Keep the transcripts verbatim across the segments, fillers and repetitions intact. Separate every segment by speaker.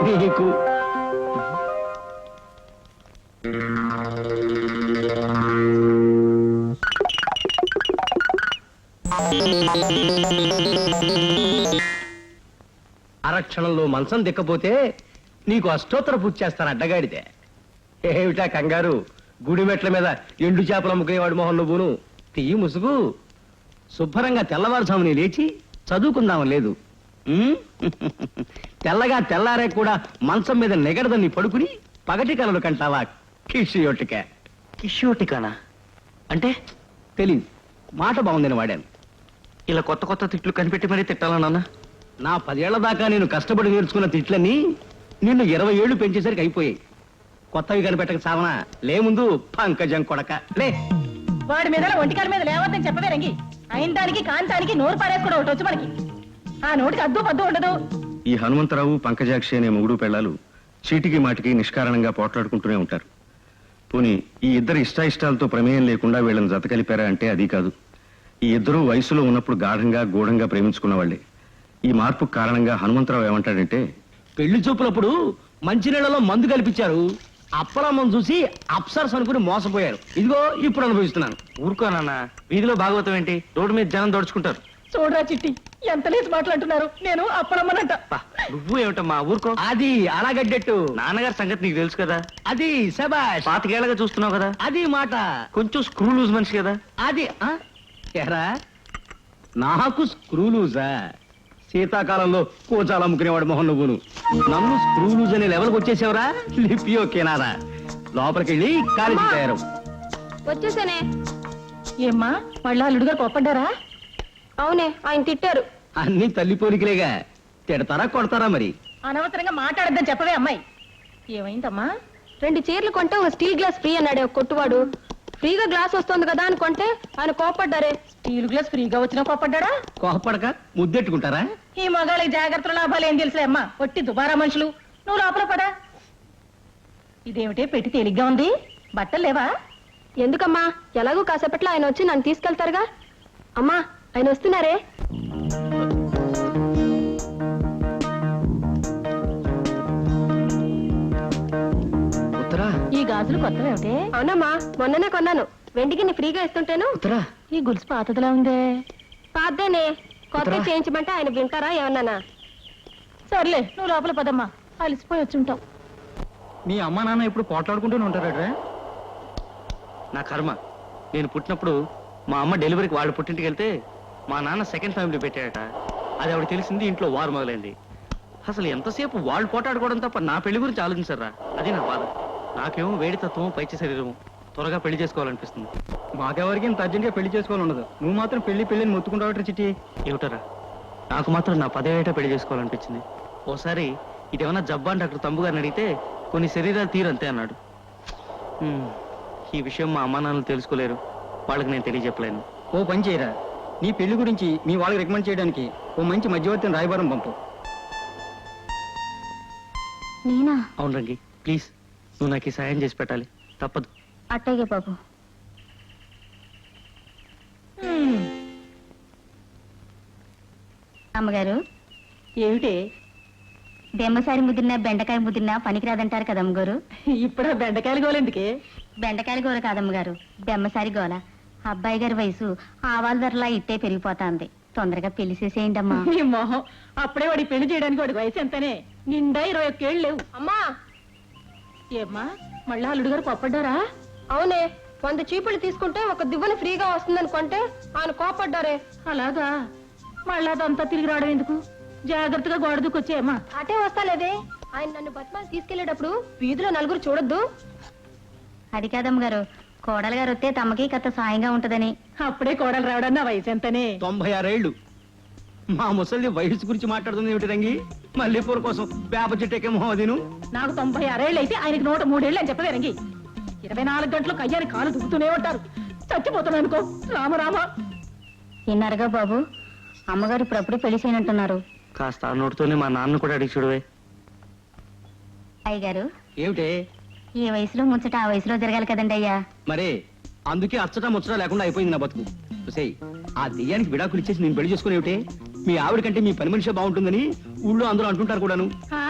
Speaker 1: నీకు అరక్షణంలో మంచం దిక్కపోతే నీకు అష్టోత్తర పూజ చేస్తాను అడ్డగాడితే. ఏమిటా కంగారు? గుడి మెట్ల మీద ఎండు చేపలు అమ్ముకునేవాడు మొహన్ నువ్వును. తీయి ముసుగు. శుభ్రంగా తెల్లవారుజాముని లేచి చదువుకుందాం లేదు. తెల్లగా తెల్లారే కూడా మంచం మీద నెగడదని పడుకుని పగటి కలలు కంటావా కిషియోటిక?
Speaker 2: కిషోటికానా అంటే
Speaker 1: తెలీదు. మాట బాగుందని వాడాను.
Speaker 2: ఇలా కొత్త కొత్త తిట్లు కనిపెట్టి మరీ తిట్టాలన్నా?
Speaker 1: నా పదేళ్ల దాకా నేను కష్టపడి నేర్చుకున్న తిట్లన్నీ నిన్ను ఇరవై ఏళ్లు పెంచేసరికి అయిపోయాయి. కొత్తవి కనిపెట్టక సావనా? లే ముందు పంకజం కొడక లే.
Speaker 3: వాడి మీద ఒంటికాల మీద లేవద్దని చెప్పవే రంగి. అయిన దానికి కాంతానికి నోరు పారేసుకోవడం ఒకటి వచ్చు మనకి. ఆ నోటికి అద్దు పద్దు ఉండదు.
Speaker 4: ఈ హనుమంతరావు పంకజాక్షి అనే మొగుడు పెళ్లాలు చీటికి మాటికి నిష్కారణంగా పోట్లాడుకుంటూనే ఉంటారు. పోనీ ఈ ఇద్దరు ఇష్టాయిష్టాలతో ప్రమేయం లేకుండా వీళ్ళని జత కలిపారా అంటే అది కాదు. ఈ ఇద్దరూ వయసులో ఉన్నప్పుడు గాఢంగా గూఢంగా ప్రేమించుకున్న వాళ్లే. ఈ మార్పు కారణంగా హనుమంతరావు ఏమంటాడంటే,
Speaker 1: పెళ్లి చూపులప్పుడు మంచినీళ్లలో మందు కల్పించారు. అప్పలమ్మం చూసి అప్సర్స్ అనుకుని మోసపోయారు. ఇదిగో ఇప్పుడు అనుభవిస్తున్నాను.
Speaker 2: ఊరుకోనన్నా, వీధిలో భాగవతం ఏంటి? రోడ్డు మీద జనం దోడుచుకుంటారు.
Speaker 3: చూడరా చిట్టి, ఎంత లేసి మాట్లాడుతున్నారు. నేను అప్పలమ్మనంట.
Speaker 2: నువ్వు ఏమిటమ్మా ఊరుకో.
Speaker 1: అది అలాగడ్డట్టు.
Speaker 2: నాన్నగారి సంగతి నీకు తెలుసు కదా.
Speaker 1: అది శబాష్.
Speaker 2: పాతికేళ్లగా చూస్తున్నావు కదా.
Speaker 1: అది మాట.
Speaker 2: కొంచెం స్క్రూ లూజ్ మనిషి కదా.
Speaker 1: అది ఎరా నాకు స్క్రూ లూజా? శీతాకాలంలో కోచాలు అమ్ముకునేవాడు మొహన్ నువ్వును. నన్ను స్క్రూ లూజ్ అనే లెవెల్కి వచ్చేసావురా. లిపియో కేనారా. లోపలికెళ్ళి కాలేజీ తయారు.
Speaker 5: వచ్చేసానే.
Speaker 3: ఏమ్మా మళ్ళా అల్లుడు గారు కోపడ్డారా?
Speaker 5: అవునే, ఆయన తిట్టారు.
Speaker 1: అన్ని తల్లి పోలికలేగా. తిడతారా కొడతారా మరి?
Speaker 3: అనవసరంగా మాట్లాడద్దని చెప్పవే అమ్మాయి. ఏమైందమ్మా?
Speaker 5: రెండు చీరలు కొంటే ఒక స్టీల్ గ్లాస్ ఫ్రీ అన్నాడే ఒక కొట్టువాడు. ఫ్రీగా గ్లాస్ వస్తుంది కదా అని కొంటే ఆయన కోపడ్డారే.
Speaker 3: స్టీల్ గ్లాస్ ఫ్రీగా వచ్చినా కోపడ్డాడా?
Speaker 1: కోపడక ముద్దెట్టుకుంటారా?
Speaker 3: ఈ మగాళ్ళకి జాగ్రత్తల లాభాలు ఏం తెలుసులే అమ్మా. ఒట్టి దుబారా మనుషులు. నువ్వు లోపల పడా. ఇదేమిటే పెట్టి తేలిగ్గా ఉంది. బట్టలు లేవా?
Speaker 5: ఎందుకమ్మా, ఎలాగూ కాసేపట్లో ఆయన వచ్చి నన్ను తీసుకెళ్తారుగా. అమ్మా ఆయన వస్తున్నారే.
Speaker 3: ఈ గాజులు కొత్తవేమిటే?
Speaker 5: అవునమ్మా, మొన్ననే కొన్నాను. వెండికి నీ ఫ్రీగా ఇస్తుంటేను.
Speaker 3: ఈ గొలుసు పాతదిలా ఉందే.
Speaker 5: పాతేనే, కొత్త చేయించమంటే ఆయన వింటారా ఏమన్నానా?
Speaker 3: సర్లే నువ్వు లోపల పదమ్మా. అలిసిపోయి వచ్చి ఉంటావు.
Speaker 2: మీ అమ్మ నాన్న ఎప్పుడు పోట్లాడుకుంటూనే ఉంటారా? నా కర్మ. నేను పుట్టినప్పుడు మా అమ్మ డెలివరీకి వాళ్ళు పుట్టింటికి వెళ్తే మా నాన్న సెకండ్ ఫ్యామిలీ పెట్టాడట. అది ఆవిడ తెలిసింది, ఇంట్లో వారు మొదలైంది. అసలు ఎంతసేపు వాళ్ళు పోటాడుకోవడం తప్ప నా పెళ్లి గురించి ఆలోచించారా? అది నా బాధ. నాకేమో వేడి తత్వం, పైచి శరీరం. త్వరగా పెళ్లి చేసుకోవాలనిపిస్తుంది.
Speaker 1: మాకెవరికి ఇంత అర్జెంట్గా పెళ్లి చేసుకోవాలి ఉండదు. నువ్వు మాత్రం పెళ్లి పెళ్లిని మొత్తుకుంటావు చిట్టి.
Speaker 2: ఏమిటరా, నాకు మాత్రం నా పదేట పెళ్లి చేసుకోవాలనిపించింది. ఓసారి ఇదేమన్నా జబ్బా అని డాక్టర్ తంబు గారిని అడిగితే కొన్ని శరీరాలు తీరంతే అన్నాడు. ఈ విషయం మా అమ్మా నాన్నలు తెలుసుకోలేరు. వాళ్ళకి నేను తెలియజెప్పలేను.
Speaker 1: ఓ పని చేయరా, నీ పెళ్లి గురించి మీ వాళ్ళకి రికమెండ్ చేయడానికి ఓ మంచి మధ్యవర్తిని రాయబారం పంపు.
Speaker 5: నేనా?
Speaker 2: అవును రంగి, ప్లీజ్ నువ్వు నాకు ఈ సాయం చేసి పెట్టాలి. తప్పదు.
Speaker 5: అట్టగే బాబు.
Speaker 6: అమ్మగారు,
Speaker 3: ఏమిటే?
Speaker 6: బెమ్మసారి ముదిరినా బెండకాయ ముదిరినా పనికిరాదంటారు కదా అమ్మగారు.
Speaker 3: ఇప్పుడు బెండకాయలు గోలెందుకే?
Speaker 6: బెండకాయల గోల కాదమ్మగారు, బెమ్మసారి గోల. అబ్బాయి గారి వయసు ఆవాల ధరలా ఇట్టే పెరిగిపోతాంది. తొందరగా పెళ్లి చేసేయండి అమ్మా.
Speaker 3: నీ మొహం, అప్పుడే వాడి పెళ్లి చేయడానికి వాడి వయసు ఎంతనే? నిండా ఇరవై ఒక్కేళ్ళు లేవు.
Speaker 5: అమ్మా
Speaker 3: ఏమ్మా మళ్ళా అల్లుడు గారు కోపడ్డారా?
Speaker 5: అవునే, వంద చీపులు తీసుకుంటే ఒక దివ్వని ఫ్రీగా వస్తుందనుకుంటే ఆయన కోపడ్డారే.
Speaker 3: అలాగా? మళ్ళా అదంతా తిరిగి రావడం ఎందుకు? జాగ్రత్తగా గోడ దూకొచ్చేయమ్మా.
Speaker 5: అటే వస్తాలేదే. ఆయన నన్ను బతిమాలి తీసుకెళ్లేటప్పుడు వీధిలో నలుగురు చూడొద్దు.
Speaker 6: అది కాదమ్మగారు, కోడలు గారు వస్తే తమకి కథ సాయంగా ఉంటదని.
Speaker 3: అప్పుడే కోడలు రావడం నా వయసు ఎంతనే?
Speaker 1: తొంభై ఆరేళ్లు. మా ముసలి వయసు గురించి మాట్లాడుతుంది ఏమిటి రంగి? మల్లెపూర కోసం వేప చెట్టేకేమో అదిను.
Speaker 3: నాకు తొంభై ఆరేళ్ళు అయితే ఆయనకి నూట మూడేళ్ళు అని చెప్పవే రంగి. ఇరవై నాలుగు గంటలు కయ్యాని కాలు దుక్కుతూనే ఉంటారు. చచ్చిపోతున్నాను అనుకో. రామరామ.
Speaker 6: విన్నారుగా బాబు, అమ్మగారు ఇప్పుడప్పుడు పెళ్లి చేయనంటున్నారు.
Speaker 2: కాస్త ఆ నోటితోనే మా నాన్న కూడా అడిగి చూడవే.
Speaker 6: అయ్యగారు,
Speaker 1: ఏమిటే?
Speaker 6: ఈ వయసులో ముచ్చట ఆ వయసులో జరగాలి కదండి అయ్యా.
Speaker 1: మరే అందుకే అచ్చట ముచ్చట లేకుండా అయిపోయింది నా బతుకు. చూసేయ్, ఆ దెయ్యానికి విడాకులు ఇచ్చేసి నేను పెళ్లి చేసుకుని ఏమిటే? మీ ఆవిడ కంటే మీ పని మనిషి బాగుంటుందని ఊళ్ళో అందరూ అంటుంటారు కూడాను.
Speaker 3: ఆ,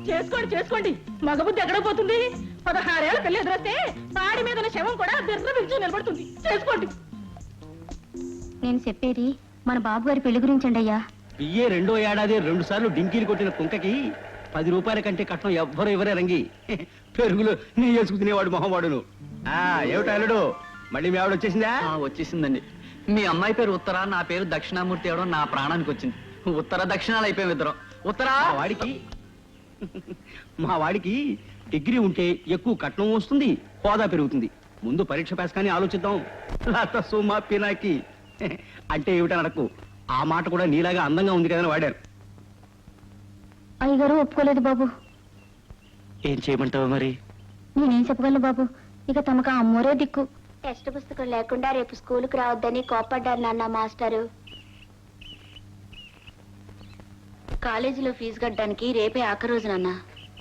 Speaker 3: చేసుకోండి చేసుకోండి మగబుద్ధి ఎక్కడ పోతుంది పదహారేళ్ల పిల్ల ఎదురొస్తే పాడి మీద ఉన్న శవం కూడా బిర్ర పిలిచి నిలబడుతుంది చేసుకోండి.
Speaker 6: నేను చెప్పేది మన బాబు గారి పెళ్లి గురించండి అయ్యా.
Speaker 1: బియ్యే రెండో ఏడాది రెండు సార్లు డింకీలు కొట్టిన కుంకకి పది రూపాయల కంటే కట్నం ఎవ్వరు ఎవరే రంగి పెరుగులు నీ వేసుకు తినేవాడు మొహవాడును. ఆ ఏమిటా అల్లుడు మళ్ళీ మీ ఆవిడ వచ్చేసిందా?
Speaker 2: ఆ, వచ్చేసిందండి. మీ అమ్మాయి పేరు ఉత్తర, నా పేరు దక్షిణామూర్తి అవడం నా ప్రాణానికి వచ్చింది. ఉత్తర దక్షిణాలు అయిపోయాం ఇద్దరం. ఉత్తరా
Speaker 1: మా వాడికి మా వాడికి డిగ్రీ ఉంటే ఎక్కువ కట్నం వస్తుంది, హోదా పెరుగుతుంది. ముందు పరీక్ష పాస్ కానీ ఆలోచిద్దాం. లత సుమా పినాకి అంటే ఏమిటని అడకు. ఆ మాట కూడా నీలాగా అందంగా ఉంది కదని వాడారు.
Speaker 6: అయ్యగారు ఒప్పుకోలేదు బాబు.
Speaker 2: ఏం చేయమంటావు మరి?
Speaker 6: నేనేం చెప్పగలను బాబు, ఇక తమకు ఆ అమ్మోరే దిక్కు. టెక్స్ట్ పుస్తకం లేకుండా రేపు స్కూల్కి రావద్దని కోప్పడ్డారు నాన్న మాస్టరు. కాలేజీలో ఫీజు కట్టడానికి రేపే ఆఖరి రోజు నాన్న.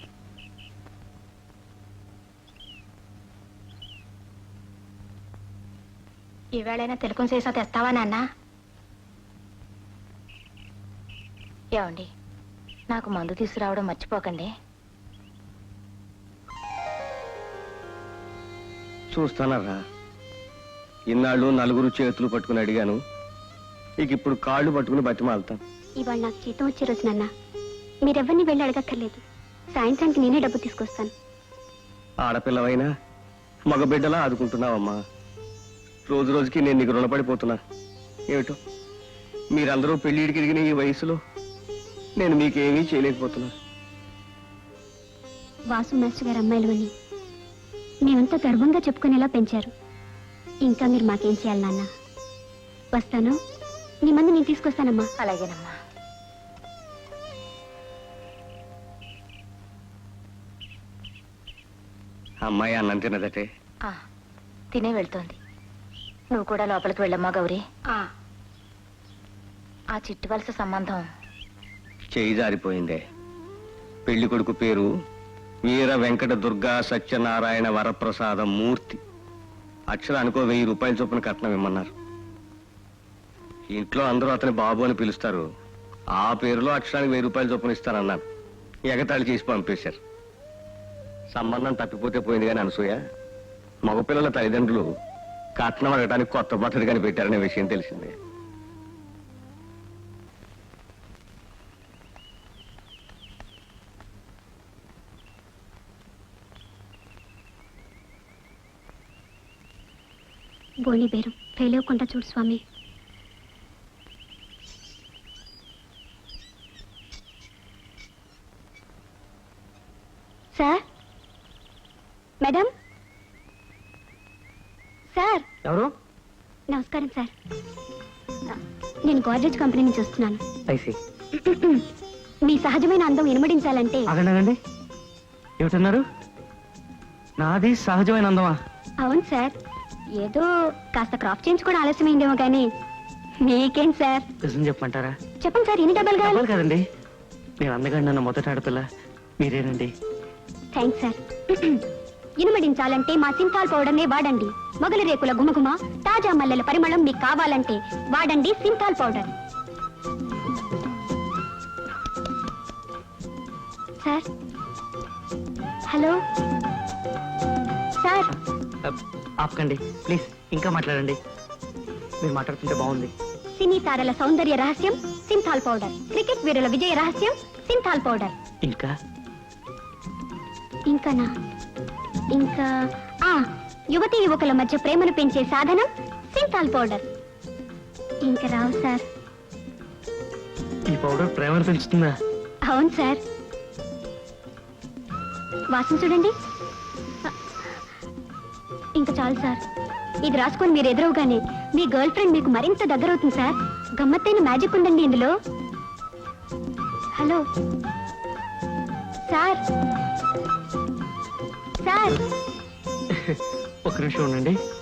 Speaker 6: ఈవేళైనా తిలకం చేసా తెస్తావా నాన్న? ఏమండి, నాకు మందు తీసుకురావడం మర్చిపోకండి.
Speaker 1: చూస్తానరా, ఇన్నాళ్ళు నలుగురు చేతులు పట్టుకుని అడిగాను, ఇక ఇప్పుడు కాళ్ళు పట్టుకుని బతిమాలుతాను.
Speaker 6: ఇవాళ నాకు జీతం వచ్చే రోజు నాన్న. మీరెవరిని వెళ్ళి అడగక్కర్లేదు. సాయంత్రానికి నేనే డబ్బు తీసుకొస్తాను.
Speaker 1: ఆడపిల్లవైనా మగబిడ్డలా ఆదుకుంటున్నావమ్మా. రోజు రోజుకి నేను నీకు రుణపడిపోతున్నా. ఏమిటో మీరందరూ పెళ్లిడికి ఎదిగిన ఈ వయసులో నేను మీకేమీ చేయలేకపోతున్నా.
Speaker 6: వాసు మాస్టర్ గారు అమ్మాయిలు అని మేమంతా గర్వంగా చెప్పుకునేలా పెంచారు. ఇంకా మీరు మాకేం చేయాలి నాన్న? వస్తాను, నీ మంది నేను తీసుకొస్తానమ్మా.
Speaker 3: అలాగేనమ్మా.
Speaker 1: అమ్మాయి అన్నం తినదటే.
Speaker 3: తినే వెళ్తోంది. నువ్వు కూడా లోపలికి వెళ్ళమ్మా గౌరీ. ఆ చిట్టు వలస సంబంధం
Speaker 1: చేయి జారిపోయిందే. పెళ్లి కొడుకు పేరు వీర వెంకట దుర్గా సత్యనారాయణ వరప్రసాద మూర్తి. అక్షరానికో వెయ్యి రూపాయల చొప్పున కట్నం ఇమ్మన్నారు. ఇంట్లో అందరూ అతని బాబు అని పిలుస్తారు. ఆ పేరులో అక్షరానికి వెయ్యి రూపాయల చొప్పున ఇస్తానన్నాను. ఎగతాళి చేసి పంపేశారు. సంబంధం తప్పిపోతే పోయింది కానీ అనసూయ, మగపిల్లల తల్లిదండ్రులు కట్నం అడగడానికి కొత్త పద్ధతి కానీ పెట్టారనే విషయం తెలిసిందే.
Speaker 6: బోని బేరం ఫెయిల్ అవ్వకుండా చూడు స్వామి. Sir, madam, sir.
Speaker 2: ఎవరు?
Speaker 6: నమస్కారం సార్. నేను గోద్రేజ్ కంపెనీ నుంచి వస్తున్నాను.
Speaker 2: ఐసి.
Speaker 6: మీ సహజమైన అందం ఇనుమడించాలంటే.
Speaker 2: ఆగండి, ఏమిటన్నారు? నాది సహజమైన అందమా?
Speaker 6: అవును సార్. ఏదో కాస్త క్రాప్ చేయించుకోవడం ఆలస్యమైందేమో కానీ మీకేం సార్?
Speaker 2: నిజం చెప్పమంటారా?
Speaker 6: చెప్పండి సార్, ఎన్ని డబ్బాలు కావాలి?
Speaker 2: డబ్బులు కదండి, నేను అందగా నన్ను మొదట ఆడపిల్ల మీరేనండి.
Speaker 6: Thanks sir. ఇనుమడించాలంటే మా సింతాల్ పౌడర్నే వాడండి. మొగలి రేకుల గుమగుమ, తాజా మల్లెల పరిమళం మీకు కావాలంటే వాడండి Cinthol powder. Sir, hello sir.
Speaker 2: ఆపకండి ప్లీజ్, ఇంకా మాట్లాడండి. మీరు మాట్లాడుతుంటే బాగుంది.
Speaker 6: సినీ తారల సౌందర్య రహస్యం సింతాల్ పౌడర్. క్రికెట్ వీరుల విజయ రహస్యం సింతాల్ పౌడర్.
Speaker 2: ఇంకా
Speaker 6: ఇంకానా? ఇంకా ఆ యువతి యువకుల మధ్య ప్రేమను పెంచే సాధనం సింతాల్ పౌడర్. ఇంకా రావు సార్.
Speaker 2: ఈ పౌడర్ ప్రేమను పెంచుతుందా?
Speaker 6: అవును సార్. వాసన చూడండి. ఇంకా చాలు సార్. ఇది రాసుకొని మీరు ఎదురవగానే మీ గర్ల్ ఫ్రెండ్ మీకు మరింత దగ్గర అవుతుంది సార్. గమ్మత్తైన మ్యాజిక్ ఉందండి ఇందులో. Hello sir. సార్,
Speaker 2: ఒక నిమిషం ఉండండి.